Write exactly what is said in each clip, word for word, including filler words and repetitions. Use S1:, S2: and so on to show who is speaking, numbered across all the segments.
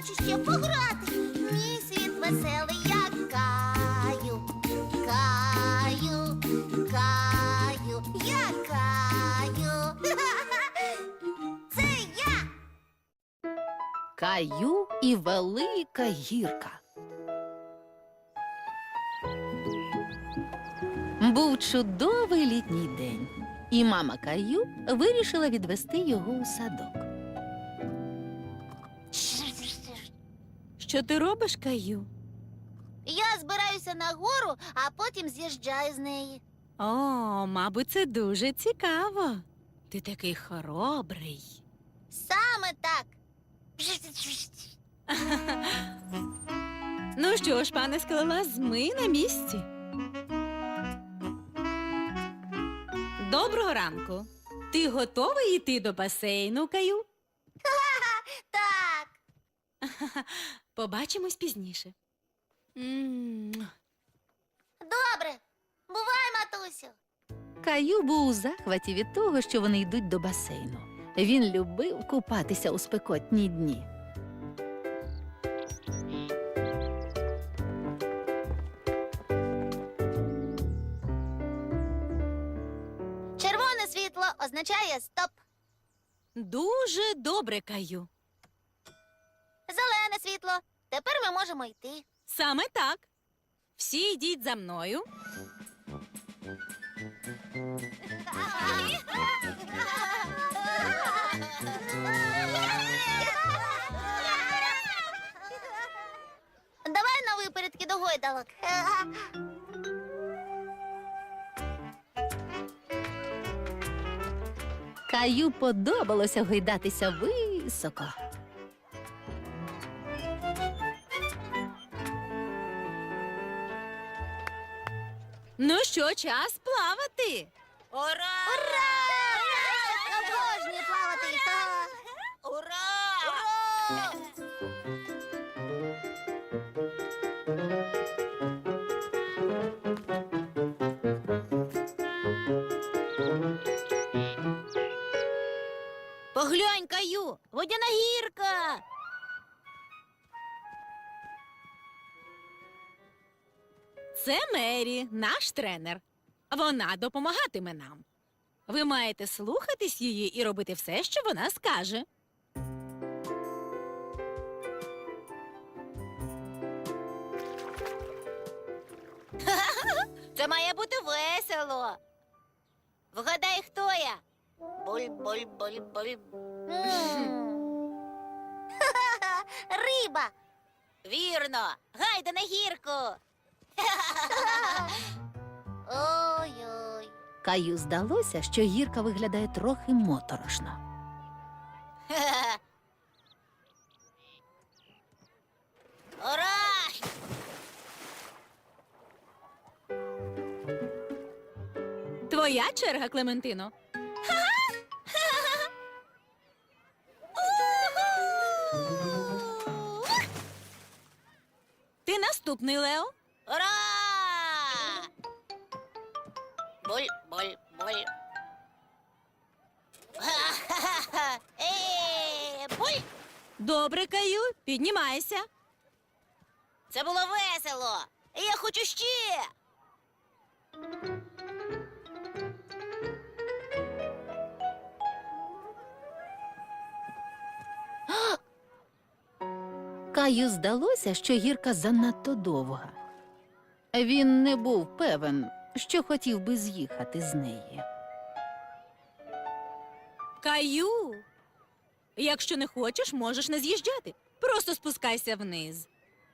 S1: хочу ще пограти. Мій світ веселий, я каю, каю, каю, я каю. Це я.
S2: Каю і велика гірка. Був чудовий літній день, і мама Каю вирішила відвести його у садок. Що ти робиш, Каю?
S1: Я збираюся на гору, а потім з'їжджаю з неї.
S2: О, мабуть, це дуже цікаво. Ти такий хоробрий.
S1: Саме так.
S2: Ну що ж, пане скелелаз, ми на місці. Доброго ранку. Ти готовий йти до басейну, Каю?
S1: Так.
S2: Побачимось пізніше. М.
S1: Добре. Бувай, матусю.
S2: Каю був у захваті від того, що вони йдуть до басейну. Він любив купатися у спекотні дні.
S1: Червоне світло означає стоп.
S2: Дуже добре, Каю.
S1: Зелене світло. Тепер ми можемо йти.
S2: Саме так. Всі йдіть за мною.
S1: Давай на випередки до гойдалок.
S2: Каю подобалося гойдатися високо. Ну що, час плавати?
S1: Ура! Ура! Обожнюю плавати. Ура! Ура! Поглянь, Каю, водяна гірка.
S2: Це Мері, наш тренер. Вона допомагатиме нам. Ви маєте слухатись її і робити все, що вона скаже.
S1: Це має бути весело. Вгадай, хто я? Буль-буль-буль-буль. Риба. Вірно. Гайда на гірку. Ой-ой.
S2: Каю здалося, що гірка виглядає трохи моторошно.
S1: Ура!
S2: Твоя черга, Клементино. Ти наступний, Лео.
S1: Ура! Буль-буль-буль. Е, буль!
S2: Добре, Каю, піднімайся.
S1: Це було весело. Я хочу ще.
S2: Каю здалося, що гірка занадто довга. Він не був певен, що хотів би з'їхати з неї. Каю, якщо не хочеш, можеш не з'їжджати. Просто спускайся вниз.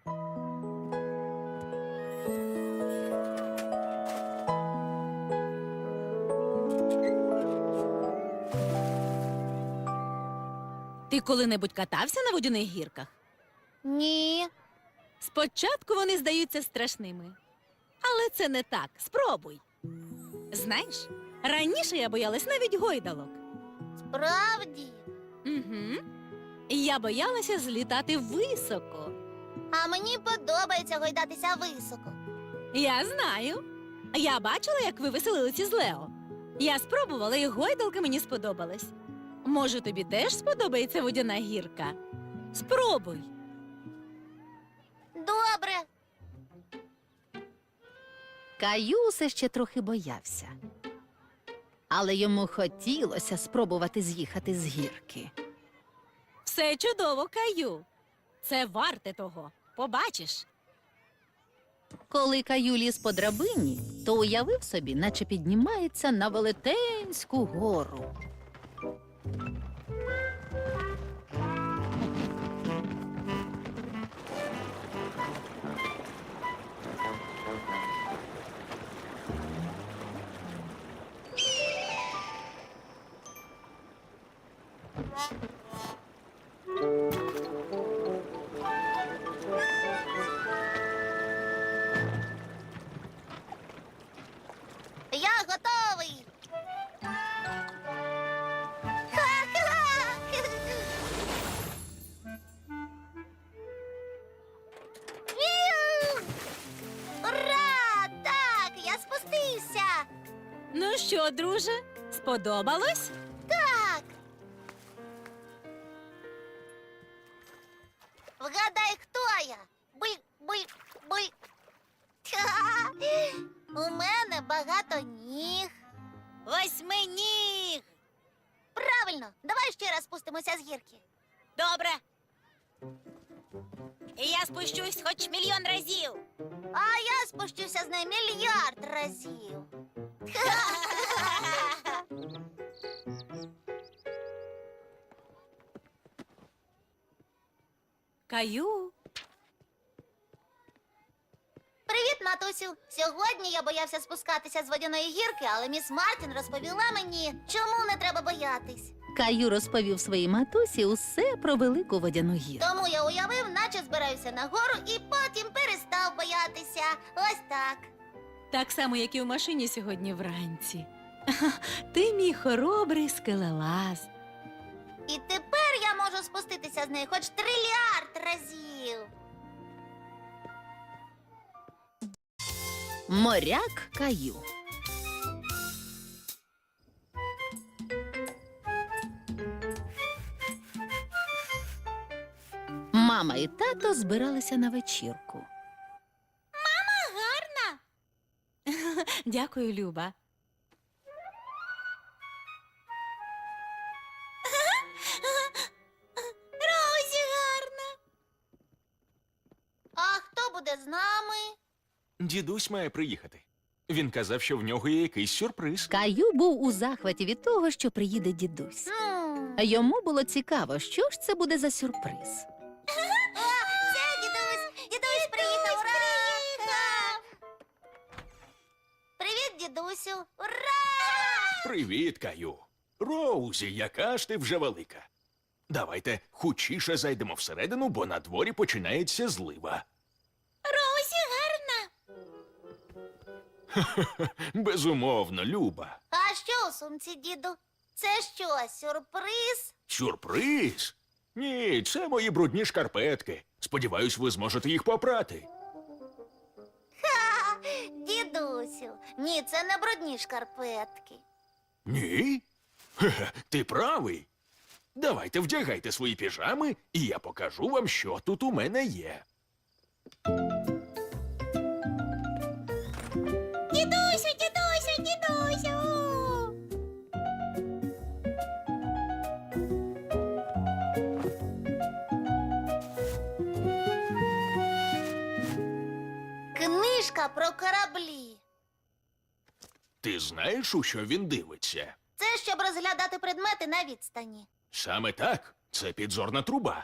S2: Ти коли-небудь катався на водяних гірках?
S1: Ні.
S2: Спочатку вони здаються страшними. Але це не так. Спробуй. Знаєш, раніше я боялась навіть гойдалок.
S1: Справді.
S2: Угу. Я боялася злітати високо.
S1: А мені подобається гойдатися високо.
S2: Я знаю. Я бачила, як ви веселилися з Лео. Я спробувала, і гойдалка мені сподобалась. Може, тобі теж сподобається водяна гірка? Спробуй.
S3: Каю все ще трохи боявся. Але йому хотілося спробувати з'їхати з гірки.
S2: Все чудово, Каю. Це варте того. Побачиш.
S3: Коли Каю ліз по драбині, то уявив собі, наче піднімається на велетенську гору.
S1: Я готовий. Віу! Ура! Так, я спустився.
S2: Ну що, друже, сподобалось?
S1: Так. Вгадай, хто я? Буль, буль, буль. У мене багато ніг.
S2: Восьминіг!
S1: Правильно, давай ще раз спустимося з гірки.
S2: Добре. І я спущусь хоч мільйон разів.
S1: А я спущуся з неї мільярд разів.
S2: Каю,
S1: Привіт, матусю. Сьогодні я боявся спускатися з водяної гірки, але міс Мартін розповіла мені, чому не треба боятись.
S3: Каю розповів своїй матусі усе про велику водяну гірку.
S1: Тому я уявив, наче збираюся нагору і потім перестав боятися. Ось так.
S2: так само, як і в машині сьогодні вранці. Ти мій хоробрий скелелаз.
S1: І тепер я можу спуститися з неї хоч трильярд разів.
S3: Моряк Каю. Мама і тато збиралися на вечірку.
S2: Гарна. Дякую, Люба. Розі гарна.
S1: А хто буде з нами?
S4: Дідусь має приїхати. Він казав, що в нього є якийсь сюрприз.
S3: Каю був у захваті від того, що приїде дідусь.
S1: М.
S3: А йому було цікаво, що ж це буде за сюрприз.
S1: О, це дідусь! Дідусь приїхав! Ура! Привіт, дідусю! Ура!
S4: Привіт, Каю. Роузі, яка ж ти вже велика. Давайте хутчіше зайдемо всередину, бо на дворі починається злива.
S2: Розі гарна.
S4: Безумовно, Люба.
S1: А що у сумці, діду? Це що, сюрприз?
S4: Сюрприз? Ні, це мої брудні шкарпетки. Сподіваюсь, ви зможете їх попрати.
S1: Ха! Дідусю, ні, це не брудні шкарпетки.
S4: Ні? Хе-хе, ти правий. Давайте вдягайте свої піжами, і я покажу вам, що тут у мене є.
S1: Дідусю, дідусю, дідусю! Книжка про кораблі.
S4: Ти знаєш, у що він дивиться?
S1: Це щоб розглядати предмети на відстані.
S4: Саме так, це підзорна труба.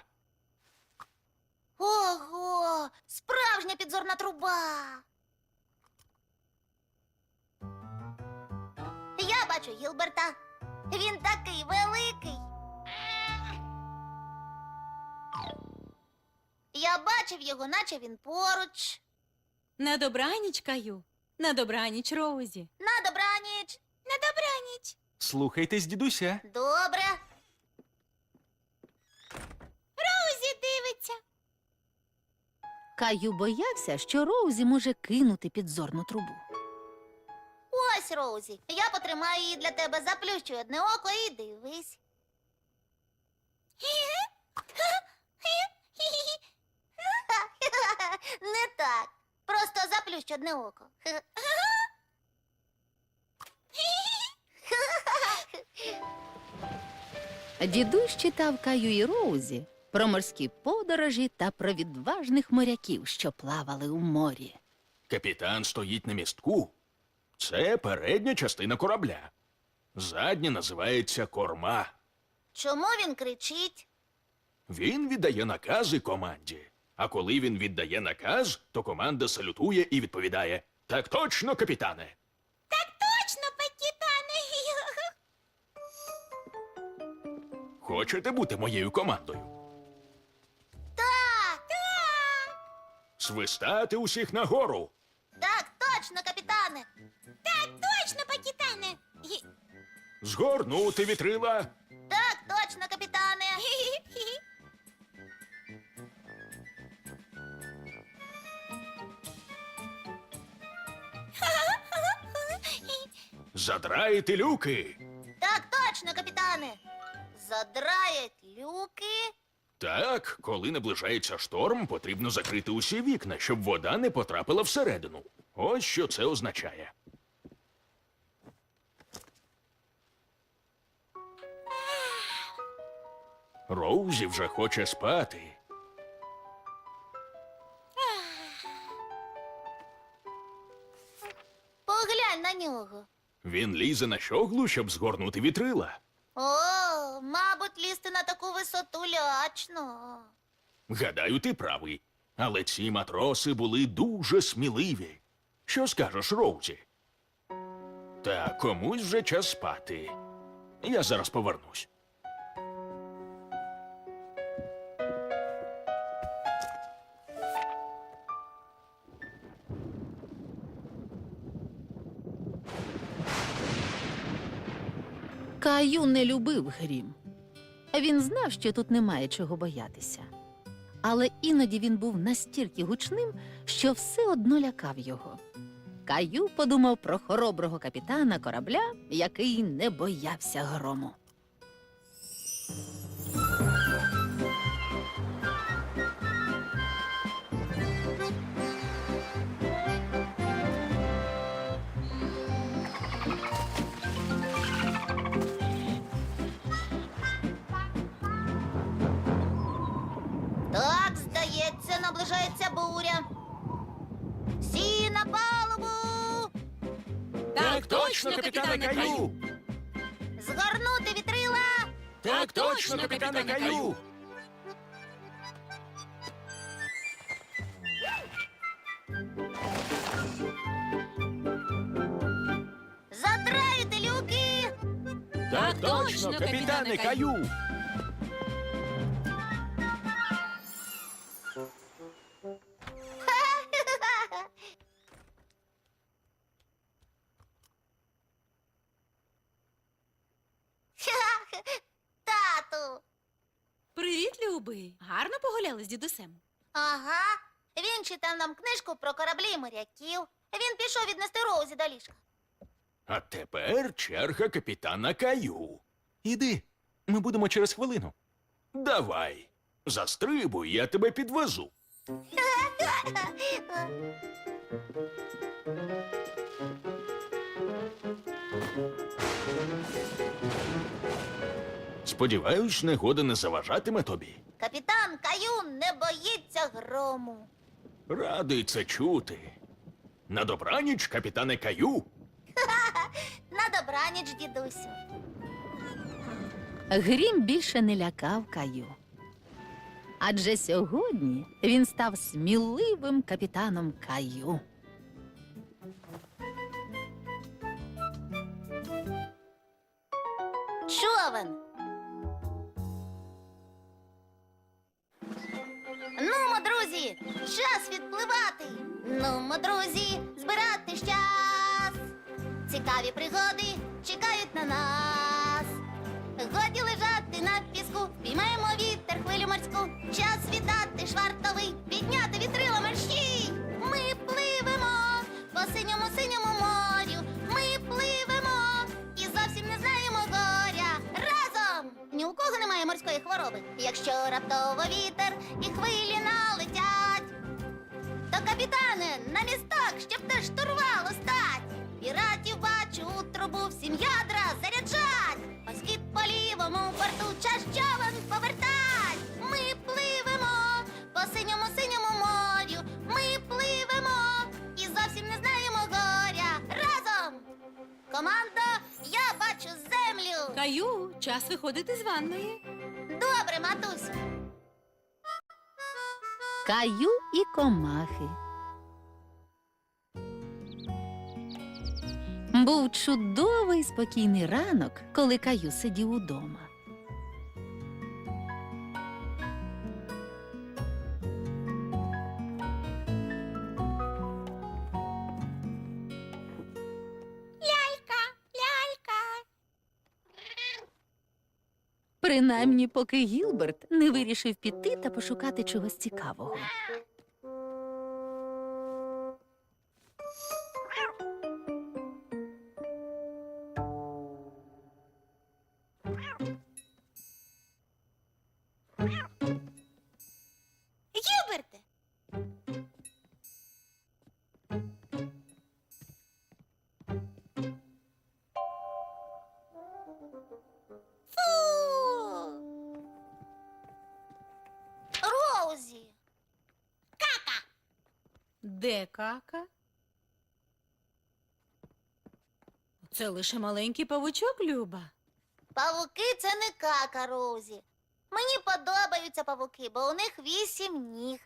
S1: Ого, справжня підзорна труба. Я бачу Гілберта. Він такий великий. Я бачив його, наче він поруч.
S2: На добраніч, Каю. На добраніч, Роузі.
S1: На добраніч. На добраніч.
S4: Слухайтесь, дідуся.
S1: Добре. Розі дивиться.
S3: Каю боявся, що Роузі може кинути підзорну трубу.
S1: Ось, Роузі, я потримаю її для тебе, заплющу одне око і дивись. Не так. Просто заплющ одне око.
S3: Дідусь читав Каю і Роузі про морські подорожі та про відважних моряків, що плавали у морі.
S4: Капітан стоїть на містку. Це передня частина корабля. Задня називається корма.
S1: Чому він кричить?
S4: Він віддає накази команді. А коли він віддає наказ, то команда салютує і відповідає: «Так точно, капітане!»
S1: Точно, капітане!
S4: Хочете бути моєю командою?
S1: Так!
S4: Свистати усіх нагору!
S1: Так, точно, капітане! Так, точно, капітане!
S4: Згорнути вітрила!
S1: Так, точно, капітане!
S4: Задраїти люки!
S1: Так, точно, капітане! Задраять люки.
S4: Так, коли наближається шторм, потрібно закрити усі вікна, щоб вода не потрапила всередину. Ось що це означає. Роузі вже хоче спати.
S1: Поглянь на нього.
S4: Він лізе на щоглу, щоб згорнути вітрила.
S1: О, мабуть, лізти на таку висоту лячно.
S4: Гадаю, ти правий. Але ці матроси були дуже сміливі. Що скажеш, Роузі? Та комусь вже час спати. Я зараз повернусь.
S3: Каю не любив грім. Він знав, що тут немає чого боятися. Але іноді він був настільки гучним, що все одно лякав його. Каю подумав про хороброго капітана корабля, який не боявся грому.
S1: Так, здається, наближається буря. Всі на палубу!
S2: Так точно, капітане Каю!
S1: Згорнути вітрила!
S2: Так точно, капітане Каю!
S1: Задраїти люки!
S2: Так точно, капітане Каю!
S1: Тату!
S2: Привіт, любий! Гарно погуляли з дідусем?
S1: Ага. Він читав нам книжку про кораблі і моряків. Він пішов віднести Роузі до ліжка.
S4: А тепер черга капітана Каю. Іди, ми будемо через хвилину. Давай, застрибуй, я тебе підвезу. Сподіваюсь, негода не заважатиме тобі.
S1: Капітан Каю не боїться грому.
S4: Радий це чути. На добраніч, капітане Каю.
S1: На добраніч, дідусю.
S3: Грім більше не лякав Каю. Адже сьогодні він став сміливим капітаном Каю.
S1: Човен. Нумо, друзі, час відпливати. Нумо, друзі, збиратись час. Цікаві пригоди чекають на нас. Годі лежати на піску, піймаємо вітер, хвилю морську. Час віддати швартовий, підняти вітрила мерщій. Ми пливемо по синьому синьому морю. Ми пливемо і зовсім не знаємо горя. Разом! Ні у кого немає морської хвороби. Якщо раптово вітер і хвилі налетять, то, капітане, на місток, щоб те штурвалу стать. Піратів бачу у трубу, всім ядра заряджать. Ось і по лівому борту час човен повертать. Ми пливемо по синьому синьому морю. Ми пливемо і зовсім не знаємо горя. Разом! Команда, я бачу землю.
S2: Каю, час виходити з ванної.
S1: Добре, матусю.
S3: Каю і комахи. Був чудовий спокійний ранок, коли Каю сидів удома.
S1: Лялька, лялька.
S3: Принаймні, поки Гілберт не вирішив піти та пошукати чогось цікавого.
S1: Гілберте. Фу. Роузі.
S2: Де кака? Це лише маленький павучок, Люба.
S1: Павуки — це не кака, Роузі. Мені подобаються павуки, бо у них вісім ніг.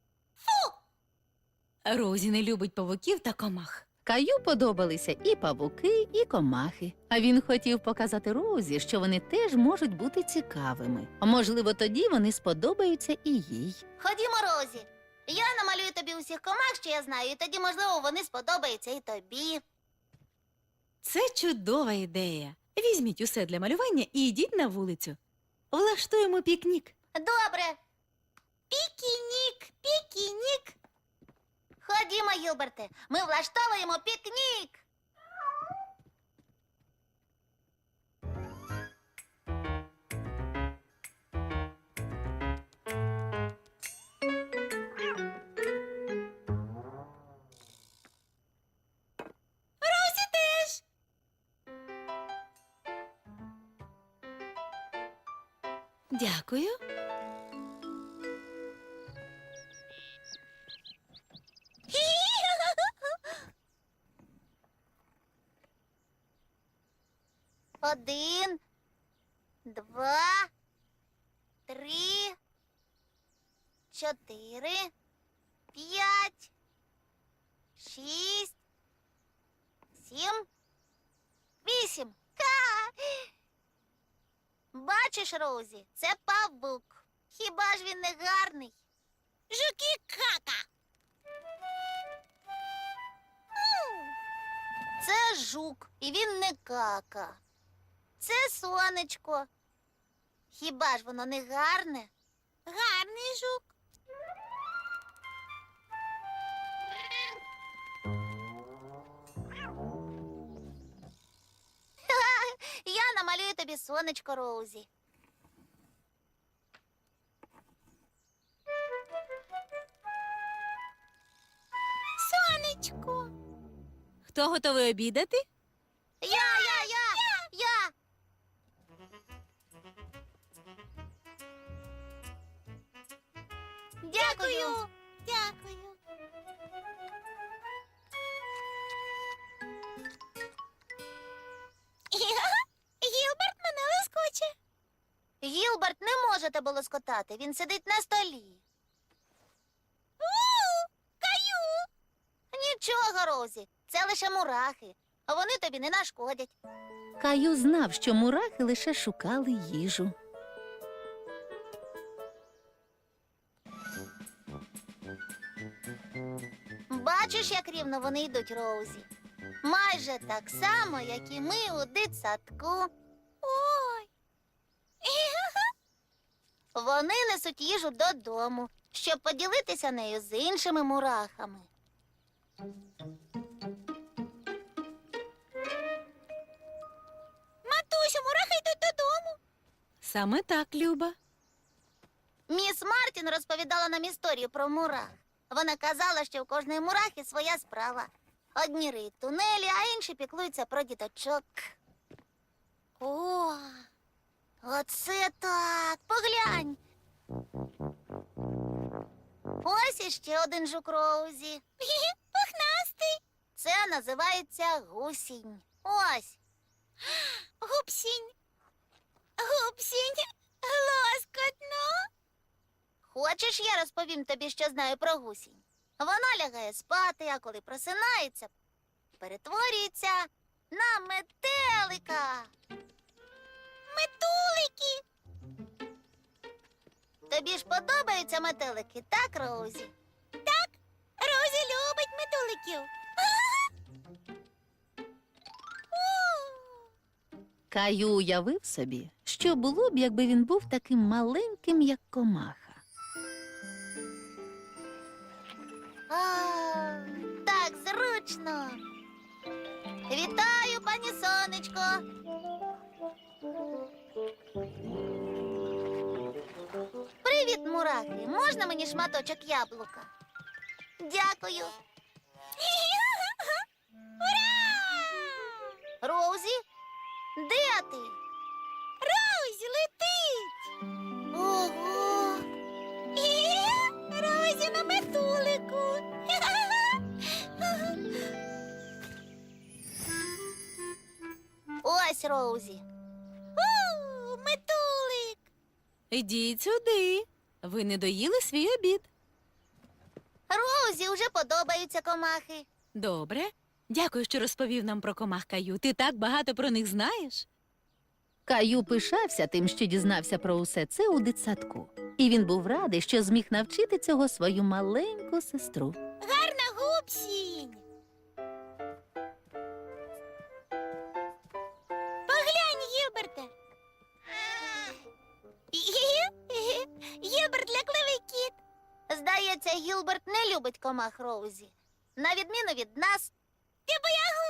S2: Розі не любить павуків та комах.
S3: Каю подобалися і павуки, і комахи. А він хотів показати Розі, що вони теж можуть бути цікавими. А можливо, тоді вони сподобаються і їй.
S1: Ходімо, Розі. Я намалюю тобі усіх комах, що я знаю, і тоді, можливо, вони сподобаються і тобі.
S2: Це чудова ідея. Візьміть усе для малювання і йдіть на вулицю. Влаштуємо пікнік.
S1: Добре. Пікінік, пікінік. Ходімо, Гілберте, ми влаштовуємо пікнік. Розі теж.
S2: Дякую.
S1: Один, два, три, чотири, п'ять, шість, сім, вісім. Ха! Бачиш, Роузі, це павук. Хіба ж він не гарний? Жуки кака. Це жук, і він не кака. Це сонечко. Хіба ж воно не гарне? Гарний жук. Я намалюю тобі сонечко, Роузі. Сонечко.
S2: Хто готовий обідати?
S1: Я, я, я, я. Дякую. Дякую. Гілберт мене лоскоче. Гілберт не може тебе лоскотати, він сидить на столі. Каю. Нічого, Розі, це лише мурахи, а вони тобі не нашкодять.
S3: Каю знав, що мурахи лише шукали їжу.
S1: Бачиш, як рівно вони йдуть, Роузі? Майже так само, як і ми у дитсадку. Ой. Вони несуть їжу додому, щоб поділитися нею з іншими мурахами. Матусю, мурахи йдуть додому.
S2: Саме так, Люба.
S1: Міс Мартін розповідала нам історію про мурах. Вона казала, що у кожної мурахи своя справа. Одні риють тунелі, а інші піклуються про діточок. О, Оце так. Поглянь. Ось іще один жук Роузі. Пухнастий. Це називається гусінь. Ось. Гупсінь. Гупсінь. Лоскотно. Хочеш, я розповім тобі, що знаю про гусінь? Вона лягає спати, а коли просинається, перетворюється на метелика. Метулики. Тобі ж подобаються метелики, так, Роузі? Так, Роузі любить метеликів.
S3: Каю уявив собі, що було б, якби він був таким маленьким, як комаха.
S1: А, так зручно. Вітаю, пані сонечко. Привіт, мурахи. Можна мені шматочок яблука? Дякую. Роузі, де ти? Роузі летить. Ого. Роузі на метулику. Ось Роузі. У, метулик.
S2: Ідіть сюди. Ви не доїли свій обід.
S1: Роузі вже подобаються комахи.
S2: Добре. Дякую, що розповів нам про комах, Каю. Ти так багато про них знаєш.
S3: Каю пишався тим, що дізнався про усе це у дитсадку. І він був радий, що зміг навчити цього свою маленьку сестру.
S1: Гарна гупсінь. Поглянь, Гілберте. Гілберт лякливий кіт. Здається, Гілберт не любить комах Роузі. На відміну від нас. Ти боягуз.